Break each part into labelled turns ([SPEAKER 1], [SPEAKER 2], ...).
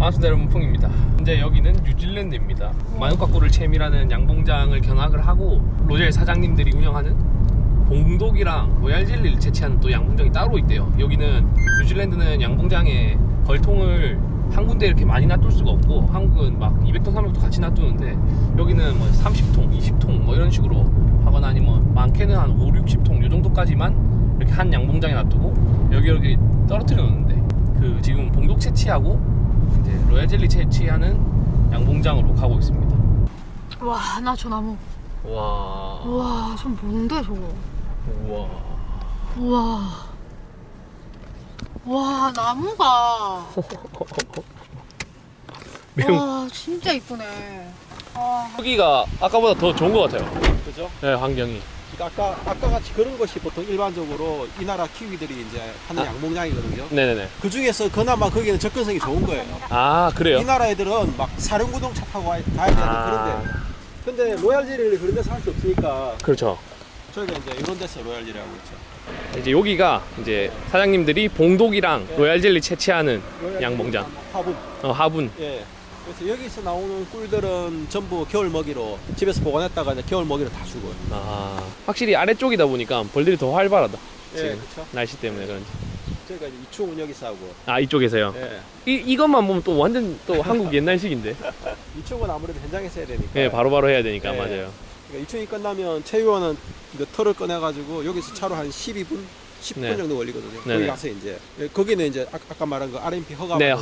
[SPEAKER 1] 반갑습니다 여러분, 풍입니다. 현재 여기는 뉴질랜드입니다. 마누카 꿀을 챔이라는 양봉장을 견학을 하고 로젤 사장님들이 운영하는 봉독이랑 로얄 젤리를 채취하는 또 양봉장이 따로 있대요. 여기는 뉴질랜드는 양봉장에 벌통을 한 군데 이렇게 많이 놔둘 수가 없고, 한국은 막 200통 300통 같이 놔두는데 여기는 뭐 30통 20통 뭐 이런 식으로 하거나 아니면 많게는 한 5, 60통 요 정도까지만 이렇게 한 양봉장에 놔두고 여기 떨어뜨려 놓는데, 그 지금 봉독 채취하고 이제 로얄 젤리 채취하는 양봉장으로 가고 있습니다.
[SPEAKER 2] 와, 나 저 나무.
[SPEAKER 1] 와.
[SPEAKER 2] 와, 전 뭔데 저거.
[SPEAKER 1] 우와.
[SPEAKER 2] 우와. 와, 나무가. 와, 진짜 이쁘네. 와.
[SPEAKER 1] 여기가 아까보다 더 좋은 것 같아요.
[SPEAKER 3] 그죠?
[SPEAKER 1] 네, 환경이.
[SPEAKER 3] 그러니까 아까 같이 그런 것이 보통 일반적으로 이 나라 키위들이 이제 하는 양봉장이거든요.
[SPEAKER 1] 네네네.
[SPEAKER 3] 그 중에서 그나마 거기는 접근성이 좋은 거예요.
[SPEAKER 1] 아, 그래요?
[SPEAKER 3] 이 나라 애들은 막 사륜구동 차 타고 가야 되는 그런데. 근데 로얄 젤리를 그런 데서 할 수 없으니까
[SPEAKER 1] 그렇죠.
[SPEAKER 3] 저희가 이제 이런 데서 로얄 젤리 하고 있죠.
[SPEAKER 1] 이제 여기가 이제 사장님들이 봉독이랑 로얄 젤리 채취하는 양봉장.
[SPEAKER 3] 화분.
[SPEAKER 1] 화분.
[SPEAKER 3] 예. 그래서 여기서 나오는 꿀들은 전부 겨울 먹이로 집에서 보관했다가 이제 겨울 먹이로 다 주고.
[SPEAKER 1] 아, 확실히 아래쪽이다 보니까 벌들이 더 활발하다.
[SPEAKER 3] 예,
[SPEAKER 1] 지금
[SPEAKER 3] 그렇죠.
[SPEAKER 1] 날씨 때문에 그런지.
[SPEAKER 3] 저희가 이제 이충은 여기서 하고.
[SPEAKER 1] 아, 이쪽에서요?
[SPEAKER 3] 예.
[SPEAKER 1] 이것만 보면 또 완전 또 한국 옛날식인데.
[SPEAKER 3] 이충은 아무래도 현장에서 해야 되니까.
[SPEAKER 1] 네, 바로바로 해야 되니까.
[SPEAKER 3] 예.
[SPEAKER 1] 맞아요.
[SPEAKER 3] 그러니까 이충이 끝나면 체유원은 이거 털을 꺼내가지고 여기서 차로 한 12분, 10분
[SPEAKER 1] 네.
[SPEAKER 3] 정도 걸리거든요.
[SPEAKER 1] 네네.
[SPEAKER 3] 거기 가서 이제 거기는 이제 아까 말한 그 RMP 허가.
[SPEAKER 1] 네,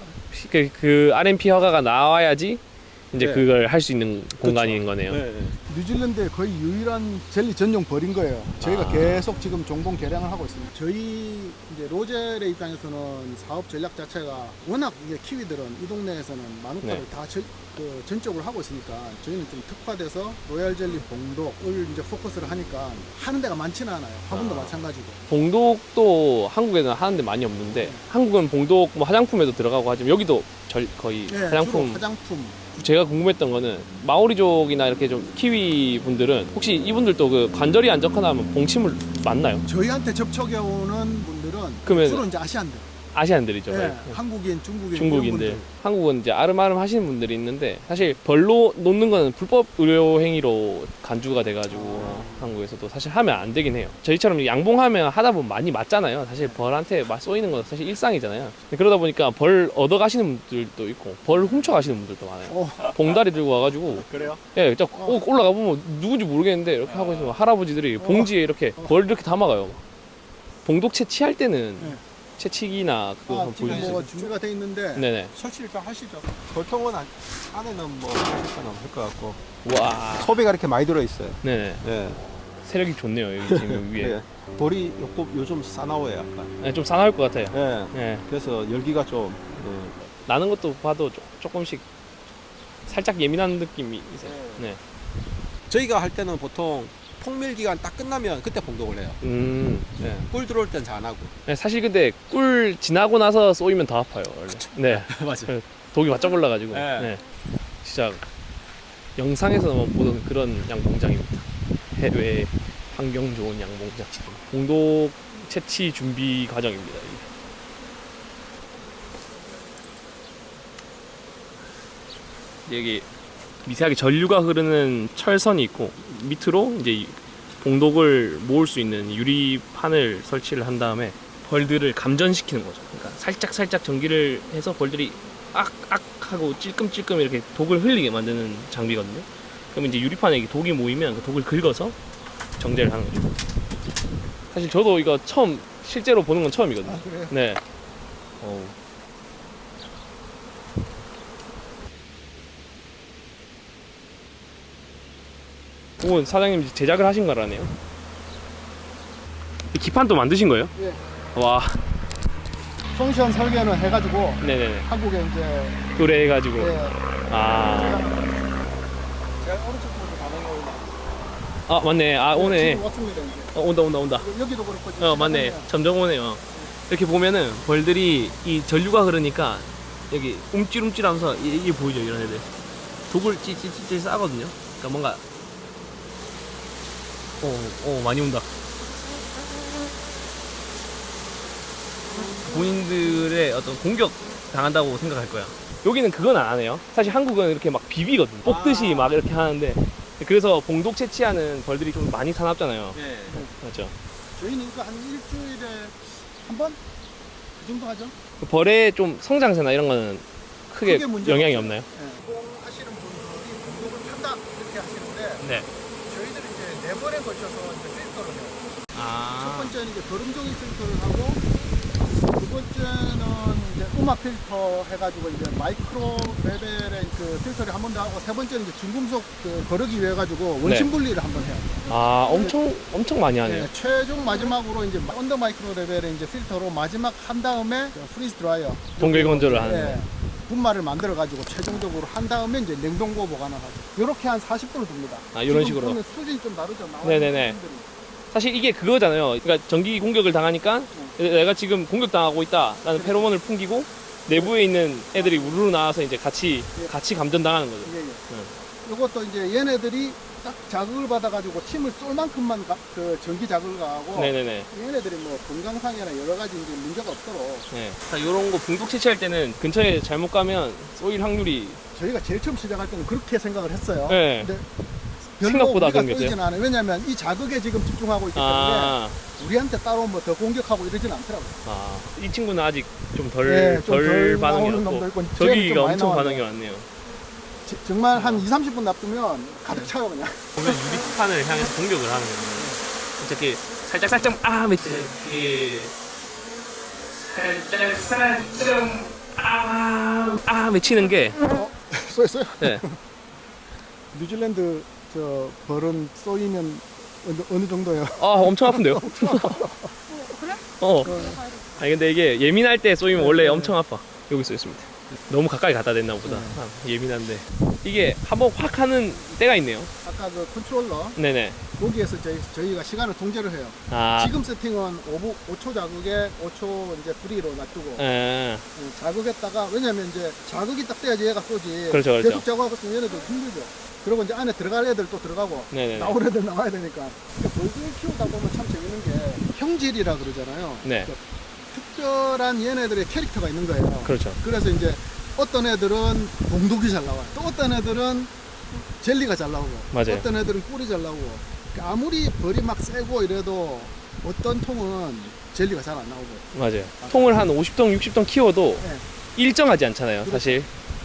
[SPEAKER 1] 그 RMP 허가가 나와야지 이제
[SPEAKER 3] 네.
[SPEAKER 1] 그걸 할 수 있는 공간인 거네요.
[SPEAKER 3] 네.
[SPEAKER 4] 뉴질랜드의 거의 유일한 젤리 전용 벌인 거예요. 저희가
[SPEAKER 1] 아.
[SPEAKER 4] 계속 지금 정봉 개량을 하고 있습니다. 저희 이제 로젤의 입장에서는 사업 전략 자체가 워낙 이제 키위들은 이 동네에서는 마누카를
[SPEAKER 1] 네.
[SPEAKER 4] 다 전적으로 하고 있으니까 저희는 좀 특화돼서 로얄 젤리 봉독을 이제 포커스를 하니까 하는 데가 많지는 않아요. 화분도 마찬가지고.
[SPEAKER 1] 봉독도 한국에는 하는데 많이 없는데, 한국은 봉독 뭐 화장품에도 들어가고 하지만 여기도 거의
[SPEAKER 4] 네,
[SPEAKER 1] 화장품.
[SPEAKER 4] 주로 화장품.
[SPEAKER 1] 제가 궁금했던 거는 마오리족이나 이렇게 좀 키위 분들은 혹시 이분들도 그 관절이 안 좋거나 하면 봉침을 맞나요?
[SPEAKER 4] 저희한테 접촉해 오는 분들은
[SPEAKER 1] 그러면
[SPEAKER 4] 주로 이제 아시안들.
[SPEAKER 1] 아시안들이죠.
[SPEAKER 4] 네,
[SPEAKER 1] 네.
[SPEAKER 4] 한국인, 중국인,
[SPEAKER 1] 중국인들.
[SPEAKER 4] 이런 분들.
[SPEAKER 1] 한국은 이제 아름아름 하시는 분들이 있는데, 사실 벌로 놓는 거는 불법 의료 행위로 간주가 돼가지고 한국에서도 사실 하면 안 되긴 해요. 저희처럼 양봉하면 하다 보면 많이 맞잖아요. 사실 벌한테 쏘이는 건 사실 일상이잖아요. 근데 그러다 보니까 벌 얻어 가시는 분들도 있고 벌 훔쳐 가시는 분들도 많아요. 봉다리 들고 와가지고,
[SPEAKER 3] 그래요?
[SPEAKER 1] 예, 딱 올라가 보면 누군지 모르겠는데 이렇게 하고 있으면 할아버지들이 봉지에 이렇게 벌 이렇게 담아가요. 봉독 채취할 때는
[SPEAKER 4] 네.
[SPEAKER 1] 채취기나 그거 한번
[SPEAKER 4] 지금
[SPEAKER 1] 보여주세요.
[SPEAKER 4] 뭐 준비가 돼 있는데
[SPEAKER 1] 네네.
[SPEAKER 3] 설치 일단 하시죠. 보통은 안에는 뭐 하실 건 없을 것 같고.
[SPEAKER 1] 와.
[SPEAKER 3] 소비가 이렇게 많이 들어있어요.
[SPEAKER 1] 네네.
[SPEAKER 3] 네.
[SPEAKER 1] 세력이 좋네요, 여기 지금 위에.
[SPEAKER 3] 네. 볼이 요즘 싸나워요, 약간.
[SPEAKER 1] 네, 좀 싸나울 것 같아요.
[SPEAKER 3] 네.
[SPEAKER 1] 네.
[SPEAKER 3] 그래서 열기가 좀.
[SPEAKER 1] 나는 것도 봐도 조금씩 살짝 예민한 느낌이 있어요. 네.
[SPEAKER 3] 저희가 할 때는 보통 통밀 기간 딱 끝나면 그때 봉독을 해요.
[SPEAKER 1] 네.
[SPEAKER 3] 꿀 들어올 땐 잘 안 하고.
[SPEAKER 1] 네, 사실 근데 꿀 지나고 나서 쏘이면 더 아파요, 원래. 네.
[SPEAKER 3] 맞아요.
[SPEAKER 1] 독이 바짝 올라가지고.
[SPEAKER 3] 네.
[SPEAKER 1] 네. 진짜 영상에서만 보던 그런 양봉장입니다. 해외 환경 좋은 양봉장. 봉독 채취 준비 과정입니다. 이게. 여기 미세하게 전류가 흐르는 철선이 있고, 밑으로 이제 이 봉독을 모을 수 있는 유리판을 설치를 한 다음에 벌들을 감전시키는 거죠. 그러니까 살짝 전기를 해서 벌들이 악 하고 찔끔찔끔 이렇게 독을 흘리게 만드는 장비거든요. 그럼 이제 유리판에 독이 모이면 그 독을 긁어서 정제를 하는 거죠. 사실 저도 이거 실제로 보는 건 처음이거든요.
[SPEAKER 4] 아, 그래요?
[SPEAKER 1] 네. 오, 사장님 제작을 하신 거라네요. 이 기판도 만드신 거예요?
[SPEAKER 4] 예.
[SPEAKER 1] 와.
[SPEAKER 4] 송시현 설계는 해가지고
[SPEAKER 1] 네네네.
[SPEAKER 4] 한국에 이제
[SPEAKER 1] 의뢰해가지고.
[SPEAKER 4] 예,
[SPEAKER 1] 아.
[SPEAKER 3] 제가 오른쪽부터 가는 거는
[SPEAKER 1] 아, 맞네. 아, 오네.
[SPEAKER 4] 지금 왔습니다 이제.
[SPEAKER 1] 온다.
[SPEAKER 4] 여기도 그렇고 지금
[SPEAKER 1] 맞네.
[SPEAKER 4] 시간이면
[SPEAKER 1] 점점 오네요. 이렇게 보면은 벌들이 이 전류가 흐르니까 여기 움찔움찔하면서 이게 보이죠, 이런 애들. 독을 찌찌찌찌 싸거든요. 그러니까 뭔가 많이 온다. 본인들의 어떤 공격 당한다고 생각할 거야. 여기는 그건 안 하네요. 사실 한국은 이렇게 막 비비거든요. 뽑듯이
[SPEAKER 3] 아.
[SPEAKER 1] 막 이렇게 하는데 그래서 봉독 채취하는 벌들이 좀 많이 사납잖아요.
[SPEAKER 3] 네.
[SPEAKER 1] 맞죠?
[SPEAKER 4] 저희는 이거 한 일주일에 한 번? 그 정도 하죠.
[SPEAKER 1] 그 벌의 좀 성장세나 이런 거는 크게
[SPEAKER 4] 크게 문제가
[SPEAKER 1] 영향이
[SPEAKER 4] 없어요.
[SPEAKER 1] 없나요?
[SPEAKER 4] 하시는 분들이 공독을 한다 이렇게 하시는데
[SPEAKER 1] 네.
[SPEAKER 4] 저희들이 이제 4번에 걸쳐서 이제 필터를 해요. 첫
[SPEAKER 1] 아.
[SPEAKER 4] 번째는 이제 거름종이 필터를 하고 두 번째는 이제 음악 필터 해가지고 이제 마이크로 레벨의 그 필터를 한 번 더 하고 세 번째는 이제 중금속 그 거르기 위해 가지고 원심 분리를 한 번 해요.
[SPEAKER 1] 아, 엄청 많이 하네요.
[SPEAKER 4] 네, 최종 마지막으로 이제 언더 마이크로 레벨의 이제 필터로 마지막 한 다음에 프리즈 드라이어
[SPEAKER 1] 동결 건조를 하는
[SPEAKER 4] 네,
[SPEAKER 1] 거예요.
[SPEAKER 4] 분말을 만들어 가지고 최종적으로 한 다음에 이제 냉동고 보관을 하죠. 이렇게 한 40분을 둡니다.
[SPEAKER 1] 아, 이런 식으로.
[SPEAKER 4] 그러면 수준이 좀 다르죠. 나와
[SPEAKER 1] 네네네.
[SPEAKER 4] 있는 수준들이.
[SPEAKER 1] 사실 이게 그거잖아요. 그러니까 전기 공격을 당하니까 내가 지금 공격당하고 있다라는 페로몬을 풍기고 내부에 있는 애들이 우르르 나와서 이제 같이 감전당하는 거죠.
[SPEAKER 4] 예, 예. 이것도 이제 얘네들이 딱 자극을 받아가지고 침을 쏠 만큼만 그 전기 자극을 가하고
[SPEAKER 1] 네네네.
[SPEAKER 4] 얘네들이 뭐 건강상이나 여러 가지 이제 문제가 없도록
[SPEAKER 1] 네. 이런 거 붕독 채취할 때는 근처에 잘못 가면 쏘일 확률이
[SPEAKER 4] 저희가 제일 처음 시작할 때는 그렇게 생각을 했어요.
[SPEAKER 1] 네.
[SPEAKER 4] 근데 별로
[SPEAKER 1] 생각보다
[SPEAKER 4] 우리가
[SPEAKER 1] 그런 게
[SPEAKER 4] 쏘이진 않아요. 왜냐하면 이 자극에 지금 집중하고 있기 때문에
[SPEAKER 1] 아,
[SPEAKER 4] 우리한테 따로 뭐 더 공격하고 이러진 않더라고요.
[SPEAKER 1] 이 친구는 아직 좀 덜
[SPEAKER 4] 네, 좀덜
[SPEAKER 1] 반응이
[SPEAKER 4] 나오는 놈도
[SPEAKER 1] 없고
[SPEAKER 4] 있고 쟤는
[SPEAKER 1] 저기가
[SPEAKER 4] 좀 많이
[SPEAKER 1] 엄청
[SPEAKER 4] 나왔네요.
[SPEAKER 1] 반응이 많네요.
[SPEAKER 4] 정말 한 2, 30분 놔두면 가득 차요 그냥.
[SPEAKER 1] 보면 유리판을 향해서 공격을 하는 거예요. 이렇게 살짝 이렇게 살짝 외치는 게
[SPEAKER 4] 쏘였어요?
[SPEAKER 1] 네.
[SPEAKER 4] 뉴질랜드 저 벌은 쏘이면 어느 정도예요?
[SPEAKER 1] 엄청 아픈데요?
[SPEAKER 2] 그래?
[SPEAKER 1] 아니 근데 이게 예민할 때 쏘이면 원래 엄청 아파. 여기 써 있습니다. 너무 가까이 갖다 댔나 보다. 예민한데 이게 한번 확 하는 때가 있네요.
[SPEAKER 4] 아까 그 컨트롤러
[SPEAKER 1] 네네.
[SPEAKER 4] 거기에서 저희가 시간을 통제를 해요.
[SPEAKER 1] 아,
[SPEAKER 4] 지금 세팅은 5초 자극에 5초 이제 프리로 놔두고 자극했다가 왜냐면 이제 자극이 딱 돼야지 얘가 쏘지.
[SPEAKER 1] 그렇죠, 그렇죠.
[SPEAKER 4] 계속 자극하고 있으면 얘네들 힘들죠. 그리고 이제 안에 들어갈 애들 또 들어가고
[SPEAKER 1] 네네네.
[SPEAKER 4] 나올 애들 나와야 되니까. 벌들 키우다 보면 참 재밌는 게 형질이라 그러잖아요.
[SPEAKER 1] 네.
[SPEAKER 4] 그러니까 특별한 얘네들의 캐릭터가 있는 거예요.
[SPEAKER 1] 그렇죠.
[SPEAKER 4] 그래서 이제 어떤 애들은 봉독이 잘 나와요. 또 어떤 애들은 젤리가 잘 나오고,
[SPEAKER 1] 맞아요.
[SPEAKER 4] 어떤 애들은 꿀이 잘 나오고. 그러니까 아무리 벌이 막 세고 이래도 어떤 통은 젤리가 잘 안 나오고.
[SPEAKER 1] 맞아요. 통을 한 50통, 60통 키워도
[SPEAKER 4] 네.
[SPEAKER 1] 일정하지 않잖아요, 사실.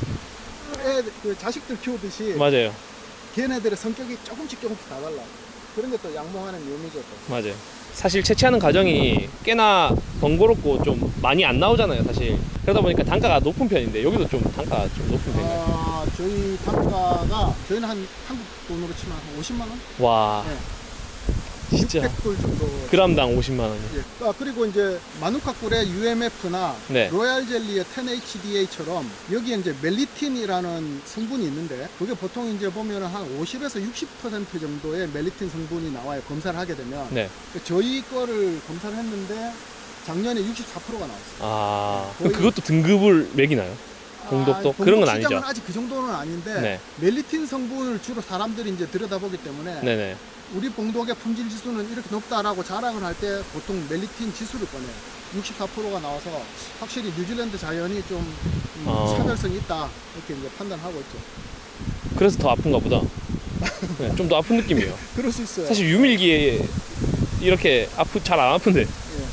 [SPEAKER 4] 그 자식들 키우듯이
[SPEAKER 1] 맞아요.
[SPEAKER 4] 걔네들의 성격이 조금씩 다 달라. 그런데 또 양봉하는 묘미죠 또.
[SPEAKER 1] 맞아요. 사실 채취하는 과정이 꽤나 번거롭고 좀 많이 안 나오잖아요, 사실. 그러다 보니까 단가가 높은 편인데 여기도 좀 단가가 좀 높은 편이에요.
[SPEAKER 4] 저희 단가가 저희는 한 한국 돈으로 치면 한 50만 원?
[SPEAKER 1] 와,
[SPEAKER 4] 네.
[SPEAKER 1] 진짜
[SPEAKER 4] 600불 정도.
[SPEAKER 1] 그람당 50만 원.
[SPEAKER 4] 예. 그리고 이제 마누카꿀의 UMF나
[SPEAKER 1] 네.
[SPEAKER 4] 로얄 젤리의 10HDA처럼 여기에 이제 멜리틴이라는 성분이 있는데 그게 보통 이제 보면은 한 50에서 60% 정도의 멜리틴 성분이 나와요. 검사를 하게 되면.
[SPEAKER 1] 네.
[SPEAKER 4] 저희 거를 검사를 했는데 작년에 64%가 나왔어요.
[SPEAKER 1] 아,
[SPEAKER 4] 거의-
[SPEAKER 1] 그럼 그것도 등급을 매기나요? 봉독도? 그런 건 아니죠.
[SPEAKER 4] 시장은 아직 그 정도는 아닌데
[SPEAKER 1] 네.
[SPEAKER 4] 멜리틴 성분을 주로 사람들이 이제 들여다보기 때문에
[SPEAKER 1] 네네.
[SPEAKER 4] 우리 봉독의 품질 지수는 이렇게 높다라고 자랑을 할 때 보통 멜리틴 지수를 꺼내요. 64%가 나와서 확실히 뉴질랜드 자연이 좀 차별성이 있다 이렇게 이제 판단하고 있죠.
[SPEAKER 1] 그래서 더 아픈가 보다. 네, 좀 더 아픈 느낌이에요.
[SPEAKER 4] 그럴 수 있어요.
[SPEAKER 1] 사실 유밀기에 이렇게 잘 안 아픈데.
[SPEAKER 4] 예.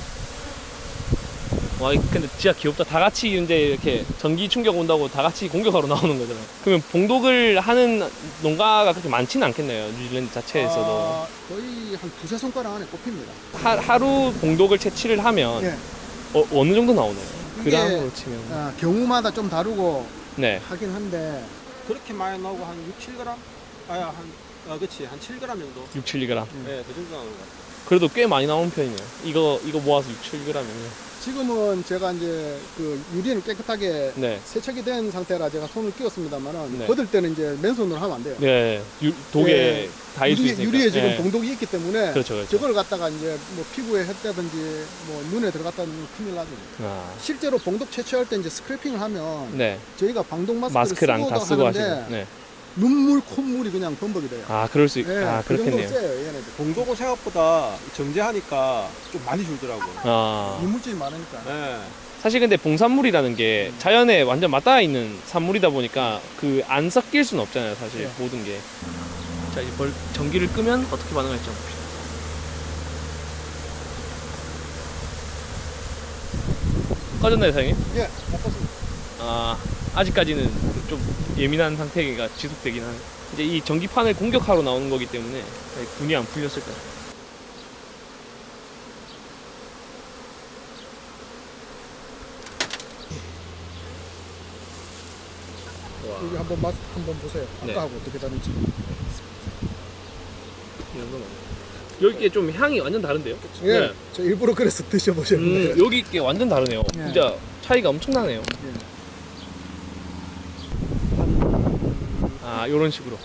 [SPEAKER 1] 와, 근데 진짜 귀엽다. 다 같이 이제 이렇게 전기 충격 온다고 다 같이 공격하러 나오는 거잖아요. 그러면 봉독을 하는 농가가 그렇게 많지는 않겠네요. 뉴질랜드 자체에서도.
[SPEAKER 4] 거의 한 두세 손가락 안에 꼽힙니다.
[SPEAKER 1] 하루 봉독을 채취를 하면
[SPEAKER 4] 예.
[SPEAKER 1] 어느 정도 나오나요?
[SPEAKER 4] 이게,
[SPEAKER 1] 그람으로 치면.
[SPEAKER 4] 경우마다 좀 다르고
[SPEAKER 1] 네.
[SPEAKER 4] 하긴 한데
[SPEAKER 3] 그렇게 많이 나오고 한 6, 7g? 그치. 한 7g 정도.
[SPEAKER 1] 6, 7g.
[SPEAKER 3] 네, 그 정도 나오는 것 같아요.
[SPEAKER 1] 그래도 꽤 많이 나오는 편이네요. 이거 모아서 6, 7g이면.
[SPEAKER 4] 지금은 제가 이제 그 유리를 깨끗하게
[SPEAKER 1] 네.
[SPEAKER 4] 세척이 된 상태라 제가 손을 끼웠습니다만은
[SPEAKER 1] 네.
[SPEAKER 4] 걷을 때는 이제 맨손으로 하면 안 돼요.
[SPEAKER 1] 네. 독에
[SPEAKER 4] 예.
[SPEAKER 1] 닿을 수 있으니까.
[SPEAKER 4] 유리에 지금
[SPEAKER 1] 네.
[SPEAKER 4] 봉독이 있기 때문에
[SPEAKER 1] 그렇죠, 그렇죠.
[SPEAKER 4] 저걸 갖다가 이제 뭐 피부에 했다든지 뭐 눈에 들어갔다는 큰일 나죠.
[SPEAKER 1] 아,
[SPEAKER 4] 실제로 봉독 채취할 때 이제 스크래핑을 하면
[SPEAKER 1] 네.
[SPEAKER 4] 저희가 방독
[SPEAKER 1] 마스크랑
[SPEAKER 4] 쓰고도
[SPEAKER 1] 다 쓰고
[SPEAKER 4] 하는데
[SPEAKER 1] 하시고. 네.
[SPEAKER 4] 눈물, 콧물이 그냥 범벅이 돼요.
[SPEAKER 1] 아, 그럴 수
[SPEAKER 4] 예, 그
[SPEAKER 1] 그렇겠네요.
[SPEAKER 4] 정도로 세요, 얘네들.
[SPEAKER 3] 봉독은 생각보다 정제하니까 좀 많이 줄더라고요.
[SPEAKER 1] 아,
[SPEAKER 4] 이물질이 많으니까.
[SPEAKER 3] 네.
[SPEAKER 1] 사실 근데 봉산물이라는 게 자연에 완전 맞닿아 있는 산물이다 보니까 그 안 섞일 수는 없잖아요, 사실.
[SPEAKER 4] 네.
[SPEAKER 1] 모든 게. 자, 이제 전기를 끄면 어떻게 반응할지 한번 봅시다. 꺼졌나요, 사장님?
[SPEAKER 4] 예, 바꿨습니다.
[SPEAKER 1] 아, 아직까지는 좀 예민한 상태가 지속되긴 하네. 이제 이 전기판을 공격하러 나오는 거기 때문에 분이 안 풀렸을 거야.
[SPEAKER 4] 여기 한번 맛 한번 보세요.
[SPEAKER 1] 네.
[SPEAKER 4] 아까하고 어떻게 다른지.
[SPEAKER 1] 여기 좀 향이 완전 다른데요?
[SPEAKER 4] 예,
[SPEAKER 1] 네.
[SPEAKER 4] 저 일부러 그래서 드셔보셨는데.
[SPEAKER 1] 여기 게 완전 다르네요.
[SPEAKER 4] 네.
[SPEAKER 1] 진짜 차이가 엄청나네요.
[SPEAKER 4] 예.
[SPEAKER 1] 아, 요런 식으로.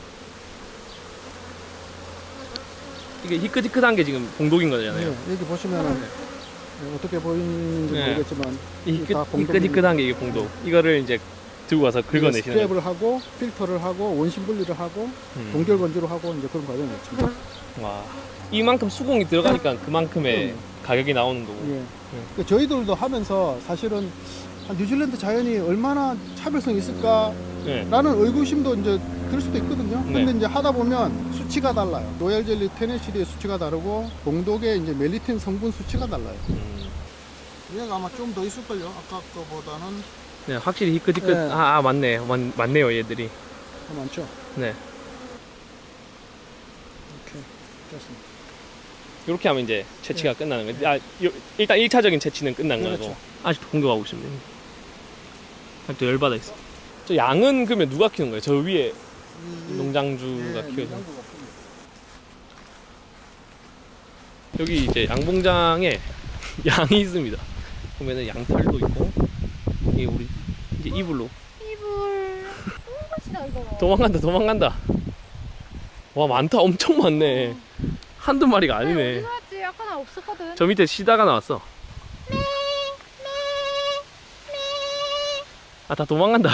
[SPEAKER 1] 이게 희끗희끗한 게 지금 봉독인 거잖아요.
[SPEAKER 4] 예, 여기 보시면은 어떻게 보이는지
[SPEAKER 1] 네.
[SPEAKER 4] 모르겠지만
[SPEAKER 1] 이
[SPEAKER 4] 다 봉독이-
[SPEAKER 1] 희끗희끗한 게 이게 봉독. 이거를 이제 들고 가서 긁어내시는 거예요.
[SPEAKER 4] 스크랩을 하고 필터를 하고 원심 분리를 하고 동결 건조를 하고 이제 그런 과정이 있습니다.
[SPEAKER 1] 와, 이만큼 수공이 들어가니까 그만큼의 가격이 나오는 거고.
[SPEAKER 4] 예. 그러니까 저희들도 하면서 사실은 뉴질랜드 자연이 얼마나 차별성이 있을까라는
[SPEAKER 1] 네.
[SPEAKER 4] 의구심도 이제 들 수도 있거든요.
[SPEAKER 1] 네.
[SPEAKER 4] 근데 이제 하다 보면 수치가 달라요. 로얄 젤리 테네시리의 수치가 다르고 봉독의 이제 멜리틴 성분 수치가 달라요. 얘가 아마 좀 더 있을걸요. 아까 거보다는
[SPEAKER 1] 네, 확실히 희끗희끗.
[SPEAKER 4] 네.
[SPEAKER 1] 맞네. 맞네요, 얘들이.
[SPEAKER 4] 더 많죠.
[SPEAKER 1] 네.
[SPEAKER 4] 이렇게 됐습니다.
[SPEAKER 1] 이렇게 하면 이제 채취가 끝나는 거예요. 일단 1차적인 채취는 끝난
[SPEAKER 4] 그렇죠.
[SPEAKER 1] 거고. 아직도 공격하고 있습니다. 아직도 열받아 있어. 저 양은 그러면 누가 키우는 거예요? 저 위에 농장주가 키워서. 여기 이제 양봉장에 양이 있습니다. 보면은 양털도 있고, 이게 우리 이제 이불로
[SPEAKER 2] 이불. 맛이다 이거.
[SPEAKER 1] 도망간다. 와, 많다. 엄청 많네. 한두 마리가 아니네.
[SPEAKER 2] 어디서 왔지? 아까 나 없었거든.
[SPEAKER 1] 저 밑에 시다가 나왔어. 아, 다 도망간다.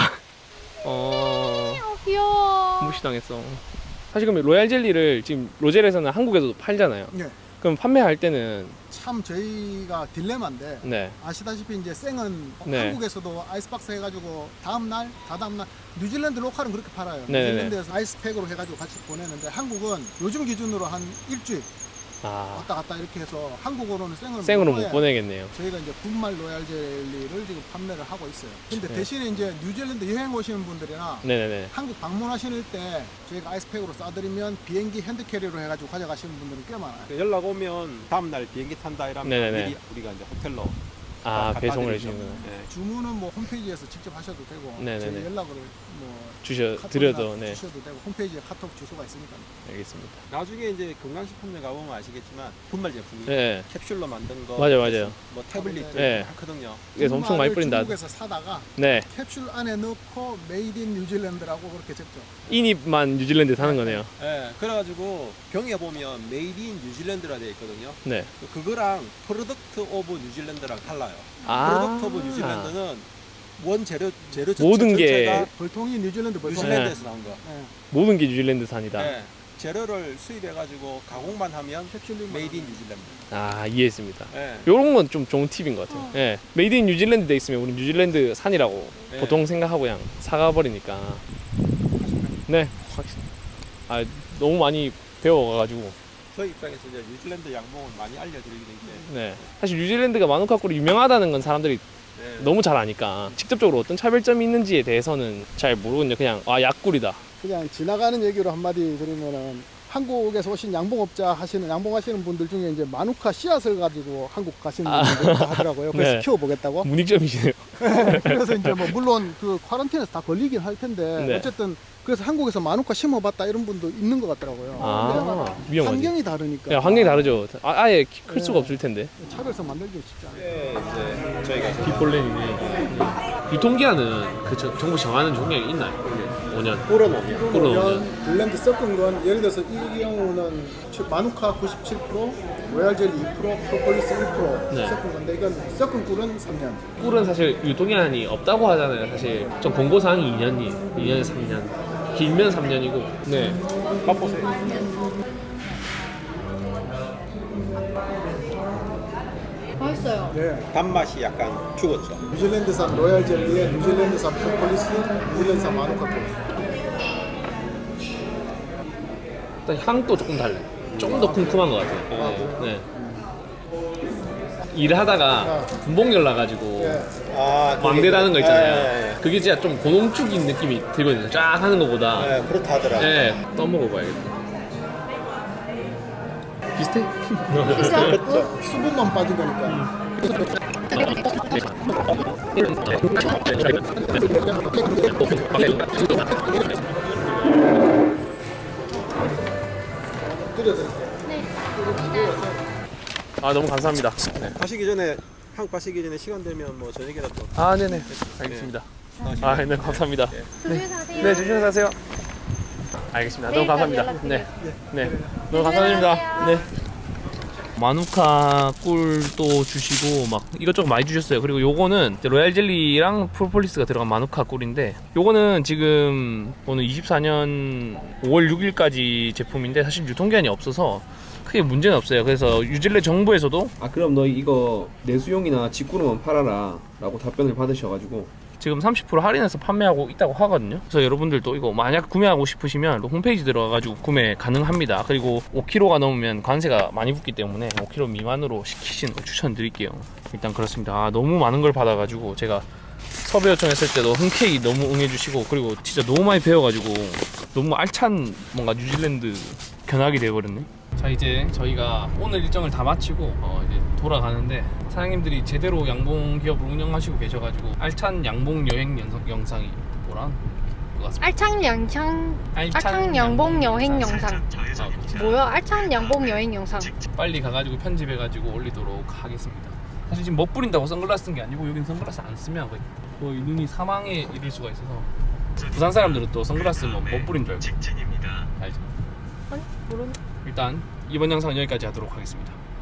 [SPEAKER 2] 귀여워.
[SPEAKER 1] 무시당했어. 사실 그럼 로얄 젤리를 지금 로젤에서는 한국에서도 팔잖아요.
[SPEAKER 4] 네.
[SPEAKER 1] 그럼 판매할 때는
[SPEAKER 4] 참 저희가 딜레마인데
[SPEAKER 1] 네.
[SPEAKER 4] 아시다시피 이제 생은
[SPEAKER 1] 네.
[SPEAKER 4] 한국에서도 아이스박스 해가지고 다음날 다다음날 뉴질랜드 로컬은 그렇게 팔아요.
[SPEAKER 1] 네네네.
[SPEAKER 4] 뉴질랜드에서 아이스팩으로 해가지고 같이 보내는데 한국은 요즘 기준으로 한 일주일
[SPEAKER 1] 아,
[SPEAKER 4] 왔다 갔다 이렇게 해서 한국으로는 생으로
[SPEAKER 1] 생으로 못
[SPEAKER 4] 보내야
[SPEAKER 1] 보내겠네요.
[SPEAKER 4] 저희가 이제 분말 로얄 젤리를 지금 판매를 하고 있어요. 근데
[SPEAKER 1] 네.
[SPEAKER 4] 대신에 이제 뉴질랜드 여행 오시는 분들이나
[SPEAKER 1] 네네네.
[SPEAKER 4] 한국 방문하실 때 저희가 아이스팩으로 싸드리면 비행기 핸드캐리로 해가지고 가져가시는 분들은 꽤 많아요.
[SPEAKER 3] 연락 오면 다음날 비행기 탄다 이러면
[SPEAKER 1] 네네네.
[SPEAKER 3] 미리 우리가 이제 호텔로
[SPEAKER 1] 아,
[SPEAKER 3] 갖다
[SPEAKER 1] 배송을
[SPEAKER 3] 드리죠.
[SPEAKER 1] 해주는구나.
[SPEAKER 3] 네.
[SPEAKER 4] 주문은 뭐 홈페이지에서 직접 하셔도 되고
[SPEAKER 1] 네네네.
[SPEAKER 4] 저희 연락을 뭐
[SPEAKER 1] 드려도,
[SPEAKER 4] 카톡이나
[SPEAKER 1] 네.
[SPEAKER 4] 주셔도 되고 홈페이지에 카톡 주소가 있으니까.
[SPEAKER 1] 알겠습니다.
[SPEAKER 3] 나중에 이제 건강식품점 가보면 아시겠지만 분말 제품이
[SPEAKER 1] 네.
[SPEAKER 3] 캡슐로 만든 거
[SPEAKER 1] 맞아요.
[SPEAKER 3] 뭐 태블릿
[SPEAKER 1] 네.
[SPEAKER 3] 하거든요.
[SPEAKER 1] 그래서 엄청 많이 뿌린다.
[SPEAKER 4] 중국에서 사다가
[SPEAKER 1] 네.
[SPEAKER 4] 캡슐 안에 넣고 메이드 인 뉴질랜드라고 그렇게 적죠.
[SPEAKER 1] 인입만 뉴질랜드 사는 거네요.
[SPEAKER 3] 네, 그래가지고 병에 보면 메이드 인 뉴질랜드라 되어 있거든요.
[SPEAKER 1] 네.
[SPEAKER 3] 그거랑 프로덕트 오브 뉴질랜드랑 달라요.
[SPEAKER 1] 아.
[SPEAKER 3] 프로덕트 오브 뉴질랜드는 원재료
[SPEAKER 1] 모든 게-
[SPEAKER 3] 전체가
[SPEAKER 4] 벌통이 뉴질랜드 벌통.
[SPEAKER 3] 뉴질랜드에서 나온 거.
[SPEAKER 4] 네.
[SPEAKER 1] 모든 게 뉴질랜드산이다.
[SPEAKER 3] 네. 재료를 수입해가지고 가공만 하면
[SPEAKER 4] 캡슐링
[SPEAKER 3] 메이드 인 뉴질랜드.
[SPEAKER 1] 아, 이해했습니다.
[SPEAKER 3] 네.
[SPEAKER 1] 요런 건 좀 좋은 팁인 것 같아요. 예. 메이드 인 뉴질랜드 돼 있으면 우리 뉴질랜드 산이라고
[SPEAKER 3] 네.
[SPEAKER 1] 보통 생각하고 그냥 사가 버리니까. 네. 아, 너무 많이 배워가지고.
[SPEAKER 3] 저희 입장에서 이제 뉴질랜드 양봉을 많이 알려드리게 된 게
[SPEAKER 1] 네. 사실 뉴질랜드가 마누카 꿀이 유명하다는 건 사람들이
[SPEAKER 3] 네.
[SPEAKER 1] 너무 잘 아니까 직접적으로 어떤 차별점이 있는지에 대해서는 잘 모르거든요. 그냥 약꿀이다.
[SPEAKER 4] 그냥 지나가는 얘기로 한마디 드리면은 한국에서 오신 양봉하시는 분들 중에 이제 마누카 씨앗을 가지고 한국 가시는 분들 있다 하더라고요. 그래서
[SPEAKER 1] 네.
[SPEAKER 4] 키워보겠다고.
[SPEAKER 1] 문익점이시네요.
[SPEAKER 4] 그래서 이제 뭐 물론 그 쿼런틴에서 다 걸리긴 할 텐데
[SPEAKER 1] 네.
[SPEAKER 4] 어쨌든 그래서 한국에서 마누카 심어봤다 이런 분도 있는 것 같더라고요.
[SPEAKER 1] 아,
[SPEAKER 4] 근데
[SPEAKER 1] 위험하지.
[SPEAKER 4] 환경이 다르니까.
[SPEAKER 1] 야, 환경이 다르죠. 아예 클 수가
[SPEAKER 4] 네.
[SPEAKER 1] 없을 텐데.
[SPEAKER 4] 차별성 만들기 쉽지 않아요.
[SPEAKER 3] 네, 이제 저희가
[SPEAKER 1] 뒷볼렌이네. 유통기한은 그 정부 정하는 종량이 있나요? 5년.
[SPEAKER 3] 꿀어놓으면
[SPEAKER 1] 꿀어놓으면.
[SPEAKER 4] 블렌드 섞은 건 예를 들어서 이 경우는 마누카 97%, 로얄 젤리 2%, 프로폴리스 1%
[SPEAKER 1] 네.
[SPEAKER 4] 섞은 건데 이건 섞은 꿀은 3년.
[SPEAKER 1] 꿀은 사실 유통기한이 없다고 하잖아요. 사실 좀 공고사항이 2년에서 3년. 길면 3년이고. 네.
[SPEAKER 3] 맛보세요.
[SPEAKER 2] 맛있어. 죽었어요.
[SPEAKER 4] 네.
[SPEAKER 3] 단맛이 약간 죽었죠.
[SPEAKER 4] 뉴질랜드산 로얄 젤리에 뉴질랜드산 프로폴리스, 뉴질랜드산 마누카 꿀.
[SPEAKER 1] 일단 향도 조금 달라요. 조금 더 쿰쿰한 것 같아요. 네. 일을 하다가 군복열 나가지고
[SPEAKER 3] 아,
[SPEAKER 1] 왕대다는 거 있잖아요.
[SPEAKER 3] 네,
[SPEAKER 1] 그게 진짜 좀 고농축인 느낌이 들거든요. 쫙 하는 것보다.
[SPEAKER 3] 네, 그렇다 하더라고요.
[SPEAKER 1] 네, 떠먹어봐야겠다. 비슷해?
[SPEAKER 2] 있어요?
[SPEAKER 4] 수분만 빠진 거니까. 끓여드릴게요.
[SPEAKER 2] 네.
[SPEAKER 1] 아, 너무 감사합니다. 네.
[SPEAKER 3] 가시기 전에 한국 가시기 전에 시간 되면 뭐 저녁에다 또
[SPEAKER 1] 아, 네네. 알겠습니다. 아, 네, 감사합니다.
[SPEAKER 2] 조심히 가세요.
[SPEAKER 1] 네, 조심히 가세요. 알겠습니다. 너무
[SPEAKER 2] 내일까지
[SPEAKER 1] 감사합니다. 네,
[SPEAKER 2] 연락드릴게요.
[SPEAKER 1] 네, 너무 감사드립니다. 네. 마누카 꿀도 주시고 막 이것저것 많이 주셨어요. 그리고 요거는 이제 로얄 젤리랑 프로폴리스가 들어간 마누카 꿀인데 요거는 지금 오늘 24년 5월 6일까지 제품인데 사실 유통기한이 없어서 크게 문제는 없어요. 그래서 뉴질랜드 정부에서도 그럼 너 이거 내수용이나 직구로만 팔아라 라고 답변을 받으셔가지고 지금 30% 할인해서 판매하고 있다고 하거든요. 그래서 여러분들도 이거 만약 구매하고 싶으시면 홈페이지 들어가가지고 구매 가능합니다. 그리고 5kg가 넘으면 관세가 많이 붙기 때문에 5kg 미만으로 시키시는 거 추천드릴게요. 일단 그렇습니다. 아, 너무 많은 걸 받아가지고 제가 섭외 요청했을 때도 흔쾌히 너무 응해주시고 그리고 진짜 너무 많이 배워가지고 너무 알찬 뭔가 뉴질랜드 견학이 되어버렸네. 자, 이제 저희가 오늘 일정을 다 마치고 이제 돌아가는데 사장님들이 제대로 양봉 기업을 운영하시고 계셔가지고 알찬 양봉 여행 영상이 뭐란 것 같습니다.
[SPEAKER 2] 알창 양봉 여행 영상.
[SPEAKER 1] 아, 그렇죠.
[SPEAKER 2] 뭐야? 알창 양봉 여행 영상.
[SPEAKER 1] 빨리 가가지고 편집해가지고 올리도록 하겠습니다. 사실 지금 멋 부린다고 선글라스 쓴 게 아니고 여긴 선글라스 안 쓰면 거의 눈이 사망에 이를 수가 있어서 부산 사람들은 또 선글라스 쓰면 멋 부린 줄 알고 알죠?
[SPEAKER 2] 아니 모르는.
[SPEAKER 1] 일단 이번 영상은 여기까지 하도록 하겠습니다.